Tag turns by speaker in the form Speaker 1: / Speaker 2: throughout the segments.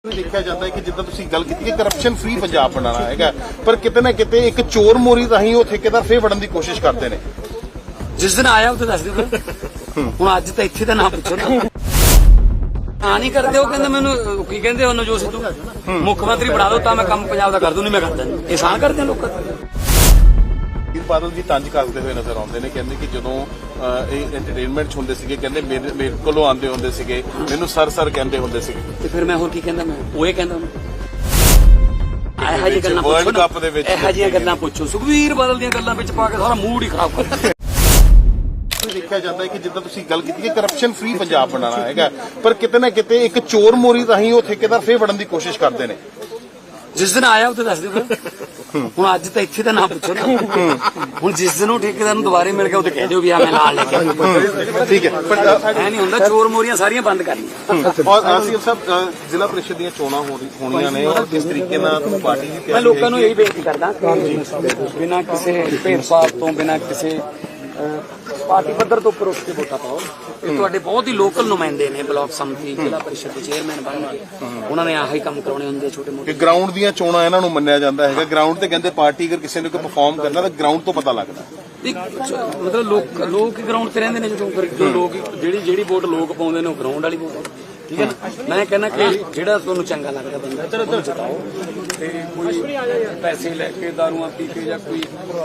Speaker 1: देखा जाता है कि जिद्दां तुसीं गल कीती कि करप्शन फ्री पंजाब बनाना हैगा पर किते ना किते एक चोर मोरी राही वो ठेकेदार फिर वड़न की कोशिश करते हैं।
Speaker 2: जिस दिन आया उसे दस दिओ हुण अज तां इत्थे दा ना पुछो ना हाँ नहीं करते हो कहंदे मैनूं की कहंदे हो नवजोत सिद्धू मुख मंत्री बना दो तां मैं काम पंजाब दा कर दूं नहीं मैं करदा नहीं एहसान करदे लोक
Speaker 1: सुखबीर बादल जी तंज करते हुए नजर आते हैं कहते कि जो एंटरटेनमेंट होंदे सीगे कहंदे मेरे कोलों आंदे होंदे सीगे मैनूं सर कहंदे होंदे सीगे
Speaker 2: ते फिर मैं होर की कहंदा मैं ओह ही कहंदा ਇਹੋ ਜਿਹੀਆਂ ਗੱਲਾਂ
Speaker 1: वर्ल्ड कप दे विच
Speaker 2: ਇਹੋ ਜਿਹੀਆਂ ਗੱਲਾਂ ਪੁੱਛੋ ਸੁਖਬੀਰ ਬਾਦਲ ਦੀਆਂ ਗੱਲਾਂ ਵਿੱਚ ਪਾ ਕੇ ਸਾਰਾ ਮੂਡ ਹੀ ਖਰਾਬ ਕਰ ਦਿੱਤਾ।
Speaker 1: देखा जाता है कि जिद्दां तुसीं गल कीती कि करप्शन फ्री पंजाब बनाना हैगा पर किते ना किते एक चोर मोरी राही वो ठेकेदार फिर वड़न की कोशिश करते हैं।
Speaker 2: जिस दिन आया उसे दस दिओ ਹੁਣ ਅੱਜ ਤਾਂ ਇੱਥੇ ਤਾਂ ਨਾ ਪੁੱਛੋ ਨਾ ਹੁਣ ਜਿਸ ਦਿਨ ਉਹ ਠੇਕੇਦਾਰ ਨੂੰ ਦੁਬਾਰੇ ਮਿਲ ਗਿਆ ਉਹ ਤੇ ਕਹਿ ਦਿਓ ਵੀ ਆ ਮੈਂ ਨਾਲ ਲੈ ਕੇ
Speaker 1: ठीक है पर
Speaker 2: ਐ ਨਹੀਂ ਹੁੰਦਾ ਚੋਰ ਮੋਰੀਆਂ ਸਾਰੀਆਂ ਬੰਦ ਕਰਨੀਆਂ।
Speaker 1: और आसिफ साहब जिला परिषद ਦੀਆਂ ਚੋਣਾਂ ਹੋਣੀਆਂ ਨੇ और किस तरीके ਨਾਲ पार्टी ਦੀ
Speaker 2: ਮੈਂ
Speaker 1: ਤਿਆਰੀ
Speaker 2: ਲੋਕਾਂ ਨੂੰ ਇਹੀ ਬੇਨਤੀ ਕਰਦਾ ਬਿਨਾਂ ਕਿਸੇ ਭੇਦਭਾਵ ਤੋਂ ਬਿਨਾਂ ਕਿਸੇ ਪਾਰਟੀ ਪੱਧਰ ਤੋਂ ਉੱਪਰ ਉੱਠ ਕੇ ਵੋਟਾਂ ਪਾਓ। ਇਹ ਤੁਹਾਡੇ ਬਹੁਤ ਹੀ ਲੋਕਲ ਨੁਮਾਇੰਦੇ ਨੇ ਬਲਾਕ ਸਮਿਤੀ ਜ਼ਿਲ੍ਹਾ ਪਰਿਸ਼ਦ ਦੇ ਚੇਅਰਮੈਨ ਬਣਨਗੇ ਉਹਨਾਂ ਨੇ ਆਹੀ ਕੰਮ ਕਰਾਉਣੇ ਹੁੰਦੇ ਛੋਟੇ ਮੋਟੇ
Speaker 1: ਕਿ ਗਰਾਊਂਡ ਦੀਆਂ ਚੋਣਾਂ ਇਹਨਾਂ ਨੂੰ ਮੰਨਿਆ ਜਾਂਦਾ ਹੈਗਾ ਗਰਾਊਂਡ ਤੇ ਕਹਿੰਦੇ ਪਾਰਟੀ ਅਗਰ ਕਿਸੇ ਨੇ ਕੋਈ ਪਰਫਾਰਮ ਕਰਨਾ ਤਾਂ ਗਰਾਊਂਡ ਤੋਂ ਪਤਾ ਲੱਗਦਾ।
Speaker 2: ਮਤਲਬ ਲੋਕ ਹੀ ਗਰਾਊਂਡ ਤੇ ਰਹਿੰਦੇ ਨੇ ਜਦੋਂ ਫਿਰ ਜੋ ਲੋਕ ਜਿਹੜੀ ਵੋਟ ਲੋਕ ਪਾਉਂਦੇ ਨੇ ਉਹ ਗਰਾਊਂਡ ਵਾਲੀ ਵੋਟ ਠੀਕ ਹੈ ਨਾ। ਮੈਂ ਕਹਿੰਦਾ ਕਿ ਜਿਹੜਾ ਤੁਹਾਨੂੰ ਚੰਗਾ ਲੱਗਦਾ ਬੰਦਾ ਉਹਨੂੰ ਜਿਤਾਓ ਤੇ ਕੋਈ ਪੈਸੇ ਲੈ ਕੇ ਦਾਰੂਆਂ ਪੀ ਕੇ ਜਾਂ ਕੋਈ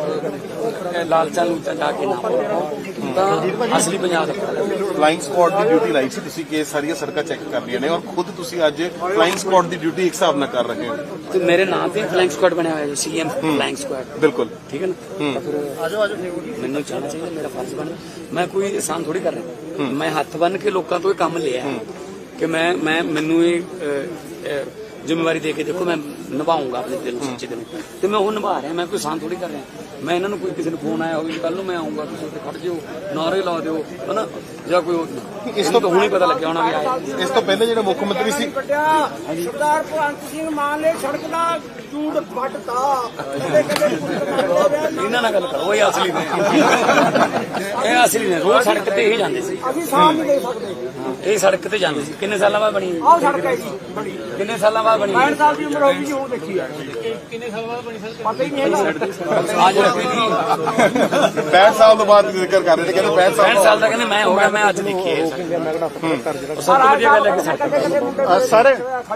Speaker 2: ਲਾਲਚਾਂ ਲੂਚਾਂ ਜਾ ਕੇ ਨਾ ਪਾਓ ਤਾਂ ਅਸਲੀ ਪੰਜਾਬ ਦਾ
Speaker 1: ਫਲਾਈਂਗ ਸਕੁਆਡ ਦੀ ਡਿਊਟੀ ਲਾਈ ਸੀ ਤੁਸੀਂ ਕਿ ਸਾਰੀਆਂ ਸੜਕਾਂ ਚੈੱਕ ਕਰਨੀਆਂ ਨੇ ਔਰ ਖੁਦ ਤੁਸੀਂ ਅੱਜ ਫਲਾਈਂਗ ਸਕੁਆਡ ਦੀ ਡਿਊਟੀ ਇੱਕ ਹਿਸਾਬ ਨਾਲ ਕਰ ਰਹੇ ਹੋ
Speaker 2: ਤੇ ਮੇਰੇ ਨਾਂ ਤੇ ਫਲਾਈਂਗ ਸਕੁਆਡ ਬਣਿਆ ਹੋਇਆ ਜੀ ਸੀਐਮ ਫਲਾਈਂਗ ਸਕੁਆਡ
Speaker 1: ਬਿਲਕੁਲ
Speaker 2: ਠੀਕ ਹੈ ਨਾ। ਫਿਰ ਮੈਨੂੰ ਚਾਹਣਾ ਚਾਹੀਦਾ ਮੇਰਾ ਫਰਜ਼ ਬਣਦਾ ਮੈਂ ਕੋਈ ਆਸਾਨ ਥੋੜੀ ਕਰ ਰਿਹਾ ਮੈਂ ਹੱਥ ਬੰਨ ਕੇ ਲੋਕਾਂ ਤੋਂ ਇਹ ਕੰਮ ਲਿਆ ਕਿ ਮੈਨੂੰ ਇਹ ਜ਼ਿੰਮੇਵਾਰੀ ਦੇ ਕੇ ਦੇਖੋ ਮੈਂ ਨਿਭਾਉਂਗਾ ਆਪਣੇ ਦਿਲ ਨੂੰ ਸੱਚੇ ਦਿਲ ਤੇ ਮੈਂ ਉਹ ਨਿਭਾ ਰਿਹਾ ਮੈਂ ਕੋਈ ਆਸਾਨ ਥੋੜੀ ਕਰ ਰਿਹਾ। ਮੈਂ ਇਹਨਾਂ ਨੂੰ ਕੋਈ ਕਿਸੇ ਨੂੰ ਫੋਨ ਆਇਆ ਹੋਵੇ ਕੱਲ ਨੂੰ ਮੈਂ ਆਉਂਗਾ ਤੁਸੀਂ ਉੱਥੇ ਖੜ ਜਿਓ ਨਾਰੇ ਲਾ ਦਿਓ ਹਨਾ ਜਾਂ ਕੋਈ ਇਸ ਤੋਂ ਹੁਣੇ ਪਤਾ ਲੱਗਿਆ ਹੋਣਾ ਵੀ ਆਇਆ।
Speaker 1: ਇਸ ਤੋਂ ਪਹਿਲੇ ਜਿਹੜਾ ਮੁੱਖ ਮੰਤਰੀ ਸੀ
Speaker 3: ਸਰਦਾਰ ਭਗਵੰਤ ਸਿੰਘ ਮਾਨ ਨੇ ਸੜਕ ਦਾ ਚੂੜ ਵੱਟਤਾ
Speaker 2: ਇਹਨਾਂ ਨਾਲ ਗੱਲ ਕਰੋ ਇਹ ਅਸਲੀ ਨੇ ਇਹ ਅਸਲੀ ਨੇ ਰੋਜ਼ ਸੜਕ ਤੇ ਹੀ ਜਾਂਦੇ ਸੀ
Speaker 3: ਅਸੀਂ ਸਾਹ ਨਹੀਂ ਦੇ ਸਕਦੇ।
Speaker 2: ਇਹ ਸੜਕ ਤੇ ਜਾਂਦੇ ਸੀ ਕਿੰਨੇ ਸਾਲਾਂ ਬਾਅਦ ਬਣੀ
Speaker 3: ਆਹ ਸੜਕ ਹੈ ਜੀ ਬੜੀ
Speaker 2: ਕਿੰਨੇ ਸਾਲਾਂ ਬਾਅਦ ਬਣੀ
Speaker 3: 65 ਸਾਲ ਦੀ ਉਮਰ ਹੋ ਗਈ ਜੀ ਹੁਣ ਦੇਖੀ ਆ ਕਿੰਨੇ ਸਾਲ ਬਾਅਦ ਬਣੀ ਸੜਕ ਪਤਾ ਹੀ ਨਹੀਂ ਹੈਗਾ।
Speaker 2: ਅੱਜ ਰੱਖੀ ਨਹੀਂ
Speaker 1: 65 ਸਾਲ ਤੋਂ ਬਾਅਦ ਜ਼ਿਕਰ ਕਰ ਰਹੇ ਨੇ ਕਹਿੰਦੇ 65
Speaker 2: 65 ਸਾਲ ਦਾ ਕਹਿੰਦੇ ਮੈਂ ਹੋ ਗਿਆ ਮੈਂ ਅੱਜ ਦੇਖੀ ਹੈ ਸਭ ਤੋਂ ਵਧੀਆ ਗੱਲ ਹੈ ਕਿ ਸੜਕ
Speaker 1: ਸਾਰੇ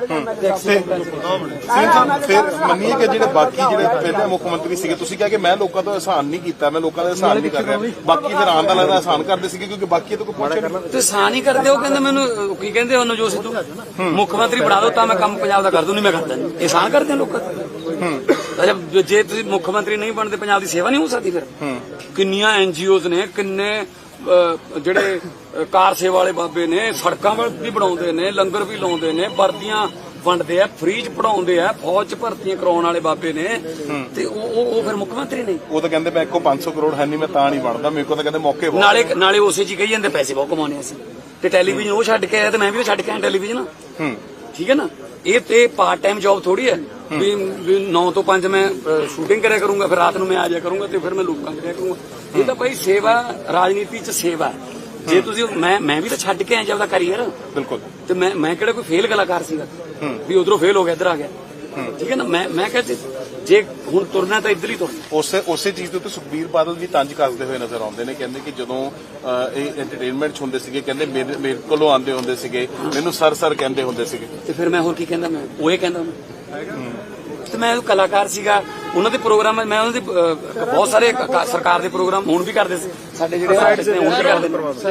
Speaker 1: ਫਿਰ ਮੰਨੀਏ ਕਿ ਜਿਹੜੇ ਬਾਕੀ ਜਿਹੜੇ ਪਹਿਲੇ ਮੁੱਖ ਮੰਤਰੀ ਸੀਗੇ ਤੁਸੀਂ ਕਿਹਾ ਕਿ ਮੈਂ ਲੋਕਾਂ ਤੋਂ ਅਹਿਸਾਨ ਨਹੀਂ ਕੀਤਾ ਮੈਂ ਲੋਕਾਂ ਦਾ ਅਹਿਸਾਨ ਨਹੀਂ ਕਰ ਰਿਹਾ ਬਾਕੀ ਫਿਰ ਆਉਣ ਦਾ ਲੱਗਦਾ ਅਹਿਸਾਨ ਕਰਦੇ ਸੀਗੇ ਕਿਉਂਕਿ ਬਾਕੀ ਤੋਂ ਕੋਈ ਪੁੱਛਿਆ ਨਹੀਂ।
Speaker 2: ਤੇ ਸਾਨ ਹੀ ਕਰਦੇ ਉਹ ਕਹਿੰਦੇ ਮੈਨੂੰ ਕੀ ਕਹਿੰਦੇ ਹੋ ਨਵਜੋਤ ਸਿੱਧੂ ਮੁੱਖ ਮੰਤਰੀ ਬਣਾ ਦਿਓ ਤਾਂ ਮੈਂ ਕੰਮ ਪੰਜਾਬ ਦਾ ਕਰ ਦੂੰ ਨਹੀਂ ਮੈਂ ਕਰਦਾ ਨਹੀਂ ਇਹਸਾਨ ਕਰਦੇ ਲੋਕਾਂ ਅੱਛਾ ਜੇ ਤੁਸੀਂ ਮੁੱਖ ਮੰਤਰੀ ਨਹੀਂ ਬਣਦੇ ਪੰਜਾਬ ਦੀ ਸੇਵਾ ਨਹੀਂ ਹੋ ਸਕਦੀ ਫਿਰ ਕਿੰਨੀਆਂ ਐਨਜੀਓਜ਼ ਨੇ ਕਿੰਨੇ ਜਿਹੜੇ ਕਾਰ ਸੇਵਾ ਵਾਲੇ ਬਾਬੇ ਨੇ ਸੜਕਾਂ ਵੀ ਬਣਾਉਂਦੇ ਨੇ ਲੰਗਰ ਵੀ ਲਾਉਂਦੇ ਨੇ ਵਰਦੀਆਂ ਵੰਡਦੇ ਆ ਫ੍ਰੀ ਚ ਪੜਾਉਂਦੇ ਆ ਫੌਜ ਚ ਭਰਤੀਆਂ ਕਰਾਉਣ ਵਾਲੇ ਬਾਬੇ ਨੇ ਤੇ ਉਹ ਫਿਰ ਮੁੱਖ ਮੰਤਰੀ ਨਹੀਂ।
Speaker 1: ਉਹ ਤਾਂ ਕਹਿੰਦੇ ਮੈਂ ਕੋਲ 500 ਕਰੋੜ ਹੈ ਨਹੀਂ ਮੈਂ ਤਾਂ ਨਹੀਂ ਬਣਦਾ ਮੇਰੇ ਕੋਲ ਤਾਂ ਕਹਿੰਦੇ ਮੌਕੇ
Speaker 2: ਨਾਲੇ ਉਸੇ ਚ ਕਹੀ ਜਾਂਦੇ ਪੈਸੇ ਬਹੁਤ ਕਮਾਉਣੇ ਅਸੀਂ ਤੇ ਟੈਲੀਵਿਜ਼ਨ ਉਹ ਛੱਡ ਕੇ ਆਇਆ ਤੇ ਮੈਂ ਵੀ ਛੱਡ ਕੇ ਆਇਆ ਟੈਲੀਵਿਜ਼ਨ ਠੀਕ ਹੈ ਨਾ। ਇਹ ਤੇ ਪਾਰਟ ਟਾਈਮ ਜੌਬ ਥੋੜੀ ਹੈ ਵੀ 9 ਤੋਂ 5 ਮੈਂ ਸ਼ੂਟਿੰਗ ਕਰਿਆ ਕਰੂੰਗਾ ਫਿਰ ਰਾਤ ਨੂੰ ਮੈਂ ਆ ਜਾਇਆ ਕਰੂੰਗਾ ਤੇ ਫਿਰ ਮੈਂ ਲੋਕਾਂ ਕਰਿਆ ਕਰੂੰਗਾ। ਇਹ ਤਾਂ ਭਾਈ ਸੇਵਾ ਰਾਜਨੀਤੀ ਚ ਸੇਵਾ ਜੇ ਤੁਸੀਂ ਮੈਂ ਵੀ ਤਾਂ ਛੱਡ ਕੇ ਆਇਆ ਜੀ ਆਪਦਾ ਕਰੀਅਰ
Speaker 1: ਬਿਲਕੁਲ ਤੇ
Speaker 2: ਮੈਂ ਕਿਹੜਾ ਕੋਈ ਫੇਲ ਕਲਾਕਾਰ ਸੀਗਾ ਵੀ ਉਧਰੋਂ ਫੇਲ ਹੋ ਗਿਆ ਇੱਧਰ ਆ ਗਿਆ ਠੀਕ ਹੈ ਨਾ। ਮੈਂ ਕਿਹਾ ਜੇ ਹੁਣ ਤੁਰਨਾ ਤਾਂ ਇੱਧਰ ਹੀ ਤੁਰਨਾ।
Speaker 1: ਉਸੇ ਚੀਜ਼ ਦੇ ਉੱਤੇ ਸੁਖਬੀਰ ਬਾਦਲ ਵੀ ਤੰਜ ਕਰਦੇ ਹੋਏ ਨਜ਼ਰ ਆਉਂਦੇ ਨੇ ਕਹਿੰਦੇ ਕਿ ਜਦੋਂ ਇਹ ਐਂਟਰਟੇਨਮੈਂਟ ਹੁੰਦੇ ਸੀਗੇ ਕਹਿੰਦੇ ਮੇਰੇ ਕੋਲੋਂ ਆਂਦੇ ਹੁੰਦੇ ਸੀਗੇ ਮੈਨੂੰ ਸਰ ਕਹਿੰਦੇ ਹੁੰਦੇ ਸੀਗੇ
Speaker 2: ਤੇ ਫਿਰ ਮੈਂ ਹੋਰ ਕੀ ਕਹਿੰਦਾ ਮੈਂ ਉਹ ਹੀ ਕਹਿੰਦਾ ਤੇ ਮੈਂ ਕਲਾਕਾਰ ਸੀਗਾ ਉਹਨਾਂ ਦੇ ਪ੍ਰੋਗਰਾਮ ਮੈਂ ਉਹਨਾਂ ਦੇ ਬਹੁਤ ਸਾਰੇ ਸਰਕਾਰ ਦੇ ਪ੍ਰੋਗਰਾਮ ਹੁਣ ਵੀ ਕਰਦੇ ਸੀ ਸਾਡੇ ਜਿਹੜੇ ਆਰਟਿਸਟ ਨੇ ਹੁਣ ਵੀ ਕਰਦੇ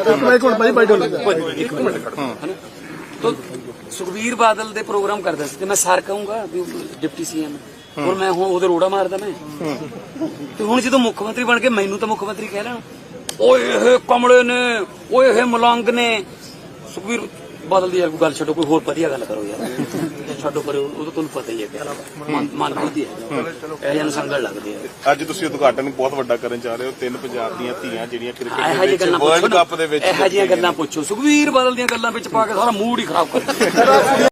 Speaker 2: ਨੇ ਤਾਂ ਸੁਖਬੀਰ ਬਾਦਲ ਦੇ ਪ੍ਰੋਗਰਾਮ ਕਰਦਾ ਸੀ ਤੇ ਮੈਂ ਸਰ ਕਹੂੰਗਾ ਵੀ ਡਿਪਟੀ ਸੀਐਮ ਹੁਣ ਮੈਂ ਹੁਣ ਉਹਦੇ ਰੋੜਾ ਮਾਰਦਾ ਮੈਂ ਤੇ ਹੁਣ ਜਦੋਂ ਮੁੱਖ ਮੰਤਰੀ ਬਣ ਕੇ ਮੈਨੂੰ ਤਾਂ ਮੁੱਖ ਮੰਤਰੀ ਕਹਿ ਲੈਣ ਓਏ ਇਹ ਕਮਲੇ ਨੇ ਓਏ ਇਹ ਮਲੰਗ ਨੇ। ਸੁਖਬੀਰ ਬਾਦਲ ਦੀ ਯਾਰ ਕੋਈ ਗੱਲ ਛੱਡੋ ਕੋਈ ਹੋਰ ਵਧੀਆ ਗੱਲ ਕਰੋ ਯਾਰ ਛੱਡੋ ਕਰੋ ਉਹ ਤਾਂ ਤੁਹਾਨੂੰ ਪਤਾ ਹੀ ਹੈ ਮਨ ਵਧੀਆ ਇਹ ਜਨ ਸੰਗਲ ਲੱਗਦੇ ਆ।
Speaker 1: ਅੱਜ ਤੁਸੀਂ ਉਦਘਾਟਨ ਬਹੁਤ ਵੱਡਾ ਕਰਨ ਜਾ ਰਹੇ ਹੋ 3 ਪੰਜਾਬ ਦੀਆਂ ਧੀਆਂ ਜਿਹੜੀਆਂ
Speaker 2: ਇਹੋ ਜਿਹੀਆਂ
Speaker 1: ਕ੍ਰਿਕਟ
Speaker 2: ਗੱਲਾਂ
Speaker 1: ਵਰਲਡ ਕੱਪ ਦੇ ਵਿੱਚ
Speaker 2: ਇਹੋ ਜਿਹੀਆਂ ਗੱਲਾਂ ਪੁੱਛੋ ਸੁਖਬੀਰ ਬਾਦਲ ਦੀਆਂ ਗੱਲਾਂ ਵਿੱਚ ਪਾ ਕੇ ਸਾਰਾ ਮੂਡ ਹੀ ਖਰਾਬ ਕਰ ਦਿੱਤਾ।